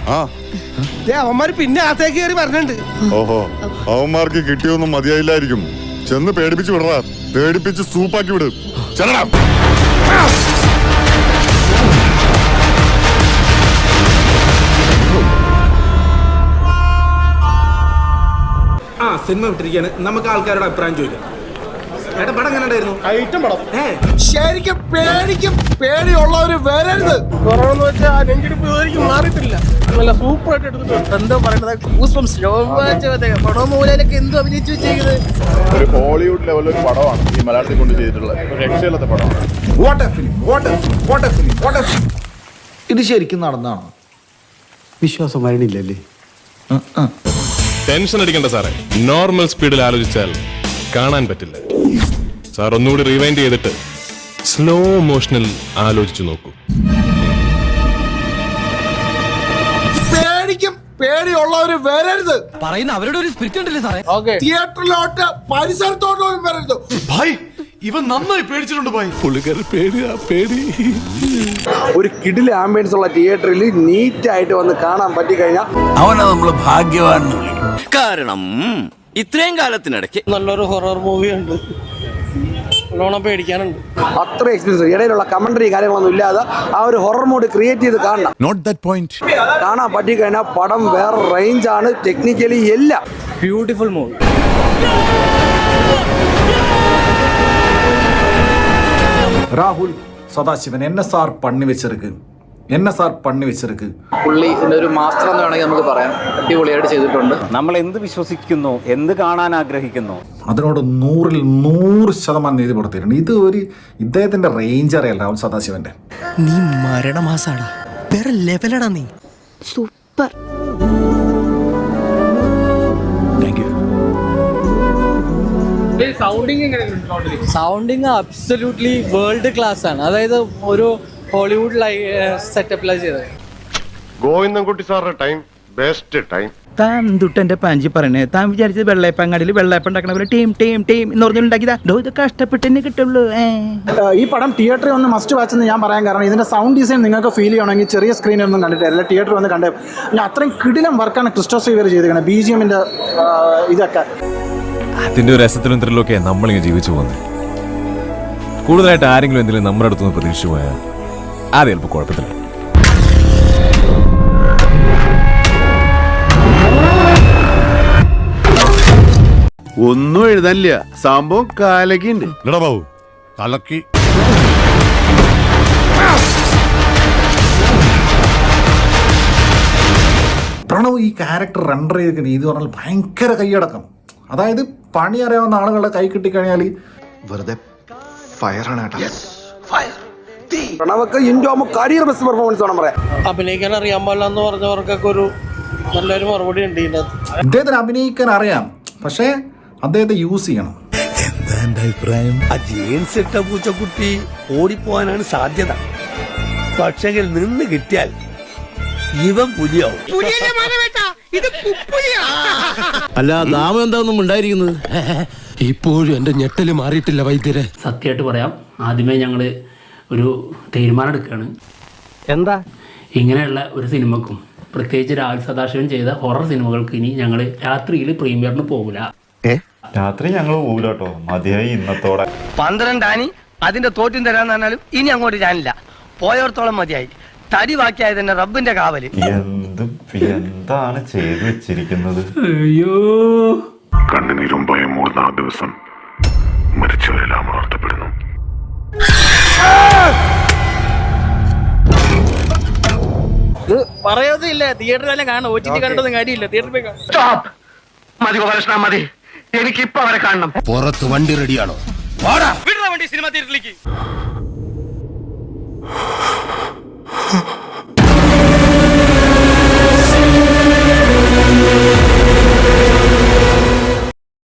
അവന്മാര് പിന്നെ അകത്തേക്ക് കയറി പറഞ്ഞിട്ടുണ്ട്. ഓഹോ, അവന്മാർക്ക് കിട്ടിയൊന്നും മതിയായില്ലായിരിക്കും. ചെന്ന് പേടിപ്പിച്ച് വിടറാ, പേടിപ്പിച്ച് സൂപ്പാക്കി വിട്. ചെല്ലടാ. സിനിമ വിട്ടിരിക്കുകയാണ്, നമുക്ക് ആൾക്കാരുടെ അഭിപ്രായം ചോദിക്കാം. ഏട്ടാ, പടം എങ്ങനെ ഉണ്ടായിരുന്നു? ഐറ്റം പടം ശരിക്കും പേടിയുള്ളവര് വരരുത്. കൊറോണ വെച്ചാൽ നെഞ്ചിടിപ്പ് മാറിയിട്ടില്ല. നല്ല സൂപ്പർ ആയിട്ട് എടുത്തിട്ടുണ്ട്. എന്തോ പറയുന്നത് പടം മൂലയിലൊക്കെ എന്തോ അഭിനയിച്ചു വെച്ചേക്കുന്നത്. ഒരു ഹോളിവുഡ് ലെവലൊരു പടമാണ് ഈ മലയാളത്തിൽ കൊണ്ട് ചെയ്തിട്ടുള്ളത്. ഒരു രക്ഷയില്ലാത്ത പടമാണ്. ഇത് ശരിക്കും നടന്നാണോ? വിശ്വാസം വരണില്ലല്ലേ? ടെൻഷൻ അടിക്കണ്ട സാറേ, നോർമൽ സ്പീഡിൽ ആലോചിച്ചാൽ കാണാൻ പറ്റില്ല. സാർ ഒന്നുകൂടി റിവൈൻഡ് ചെയ്തിട്ട് സ്ലോ മോഷനിൽ ആലോചിച്ചു നോക്കൂ. പേടിയുള്ളവര് വരരുത്. പറയുന്ന അവരുടെ ഒരു സ്പിരിറ്റ് ഉണ്ടല്ലേ സാറേ? തിയേറ്ററിലോട്ട് പരിസരത്തോട്ടും വരരുത്. ഭായ്, ഇവൻ നന്നായി പേടിച്ചിട്ടുണ്ട് ഭായ്. പേടി. ഒരു കിടില ആംബിയൻസ് ഉള്ള തിയേറ്ററിൽ നീറ്റ് ആയിട്ട് വന്ന് കാണാൻ പറ്റി കഴിഞ്ഞാൽ അവനെ നമ്മള് ഭാഗ്യവാൻ വിളിക്കും. കാരണം ഇത്രയും കാലത്തിനിടയ്ക്ക് നല്ലൊരു ഹൊറർ മൂവി ഉണ്ട്, നല്ലോണം പേടിക്കാനുണ്ട്. അത്ര എക്സ്പീരിയൻസ്, ഇടയിലുള്ള കമന്ററി കാര്യങ്ങളൊന്നും ഇല്ലാതെ ആ ഒരു ഹൊറർ മൂഡ് ക്രിയേറ്റ് ചെയ്ത് കാണണം. Note that point. കാണാൻ പറ്റി കഴിഞ്ഞാൽ പടം വേറെ റേഞ്ചാണ്, ടെക്നിക്കലി എല്ലാം beautiful movie. Rahul Sadasivan NSR പണി വെച്ചിருக்கு. പുള്ളി ഇതിന്റെ ഒരു മാസ്റ്റർ എന്ന് വേണമെങ്കിൽ നമുക്ക് പറയാം. അടിപൊളിയായിട്ട് ചെയ്തിട്ടുണ്ട്. നമ്മൾ എന്ത് വിശ്വസിക്കുന്നു, എന്ത് കാണാൻ ആഗ്രഹിക്കുന്നു, അതിനോട് 100% നീതി കൊടുത്തിട്ടുണ്ട്. ഇത് ഒരു ഇദ്ദേഹത്തിന്റെ റേഞ്ച് അറിയാം രാഹുൽ സദാശിവന്റെ. നീ മരണമാസാടാ, വേറെ ലെവലടാ നീ. Super. Sounding absolutely world class ആണ്. അതായത് ഒരു ഹോളിവുഡ് സെറ്റപ്പിലാണ് ചെയ്തത്. ഗോവിന്ദൻകുട്ടി സാറിന്റെ ടൈം ബെസ്റ്റ് ടൈം. താൻ തൊട്ടെന്റെ പാഞ്ചി പറയണേ, താൻ വിചാരിച്ചത് വെള്ളയപ്പങ്ങാടിയിൽ വെള്ളയപ്പം ഉണ്ടാക്കണ പോലെ ടീം എന്ന് പറഞ്ഞുണ്ടാക്കിയതാ. ഇത് കഷ്ടപ്പെട്ടെന്നെ കിട്ടുള്ളൂ. ഈ പടം തിയേറ്ററിൽ ഒന്ന് മസ്റ്റ് വാച്ച് എന്ന് ഞാൻ പറയാൻ കാരണം ഇതിന്റെ സൗണ്ട് ഡിസൈൻ നിങ്ങൾക്ക് ഫീൽ ചെയ്യണമെങ്കിൽ ചെറിയ സ്ക്രീനൊന്നും കണ്ടിട്ടില്ല, തിയേറ്ററിൽ വന്ന് കണ്ടേ. ഞാൻ അത്രയും കിടിലം വർക്കാണ് ക്രിസ്റ്റോസ് ഇവർ ചെയ്തിരിക്കുന്നത്. BGMന്റെ ഇതൊക്കെ അതിന്റെ ഒരു രസത്തിലും ത്രില്ലൊക്കെ നമ്മളിങ്ങനെ ജീവിച്ചു പോകുന്നത്. കൂടുതലായിട്ട് ആരെങ്കിലും എന്തെങ്കിലും നമ്മുടെ അടുത്തുനിന്ന് പ്രതീക്ഷിച്ചു പോയാൽ അത് ചിലപ്പോൾ കുഴപ്പത്തില്ല. ഒന്നും എഴുതാനില്ല, സംഭവം കാലക്കുണ്ട്. ബാബു കലക്കി. പ്രണവ് ഈ ക്യാരക്ടർ റെൻഡർ ചെയ്ത രീതി പറഞ്ഞാൽ ഭയങ്കര കൈയടക്കം. അതായത് പണി അറിയാവുന്ന ആളുകളുടെ കൈ കിട്ടിക്കഴിഞ്ഞാൽ വെറുതെ ഫയറാണ് കേട്ടോ. പ്രണവക്ക് ഇൻഡോമോ കരിയർ ബെസ്റ്റ് പെർഫോമൻസ് വേണം പറയാം. അഭിനയിക്കാൻ അറിയാൻ പാടില്ല എന്ന് പറഞ്ഞവർക്കൊക്കെ ഒരു നല്ലൊരു മറുപടി ഉണ്ട് ഇതിനകത്ത്. ഇദ്ദേഹത്തിന് അഭിനയിക്കാൻ അറിയാം, പക്ഷേ അദ്ദേഹത്തെ യൂസ് ചെയ്യണം. എന്താ എന്റെ അഭിപ്രായം? ആ ജീൻസ് ഇട്ട പൂച്ചക്കുട്ടി ഓടിപ്പോവാനാണ് സാധ്യത. പക്ഷെങ്കിൽ നിന്ന് കിട്ടിയാൽ ഇവൻ പുലിയാവും. അല്ല, നാമം എന്താണെന്നും ഉണ്ടായിരിക്കുന്നത്. ഇപ്പോഴും എന്റെ ഞെട്ടല് മാറിയിട്ടില്ല വൈദ്യരെ. സത്യമായിട്ട് പറയാം, ആദ്യമേ ഞങ്ങൾ ഒരു തീരുമാനം എടുക്കുകയാണ്. എന്താ ഇങ്ങനെയുള്ള ഒരു സിനിമക്കും, പ്രത്യേകിച്ച് രാഹുൽ സദാശിവൻ ചെയ്ത ഹൊറർ സിനിമകൾക്ക് ഇനി ഞങ്ങൾ രാത്രിയിൽ പ്രീമിയറിന് പോകില്ല. രാത്രി ഞങ്ങൾ പോകില്ല കേട്ടോ, മതിയായി ഇന്നത്തോടെ. 12 ആനി അതിന്റെ തോറ്റും തരാന്ന് പറഞ്ഞാലും ഇനി അങ്ങോട്ട് ഞാനില്ല. പോയോർത്തോളം മതിയായി. തടി ബാക്കിയായത് തന്നെ റബ്ബിന്റെ കാവല്. എന്താണ് ചെയ്തു വെച്ചിരിക്കുന്നത്? അയ്യോ, കണ്ണുനീരും ഭയം മൂടുന്ന ആ ദിവസം മരിച്ചവരെല്ലാം ഉണർത്തപ്പെടുന്നു. പറയാതില്ല, തിയേറ്ററിൽ തന്നെ കാണണം. OTT കണ്ടതും കാര്യമില്ല, തിയേറ്ററിൽ പോയി കാണാം. മതി ഗോപാലകൃഷ്ണ, മതി. എനിക്കിപ്പോ അവരെ കാണണം. പുറത്ത് വണ്ടി റെഡിയാണോ? വിടുന്ന വണ്ടി സിനിമ തിയേറ്ററിലേക്ക്.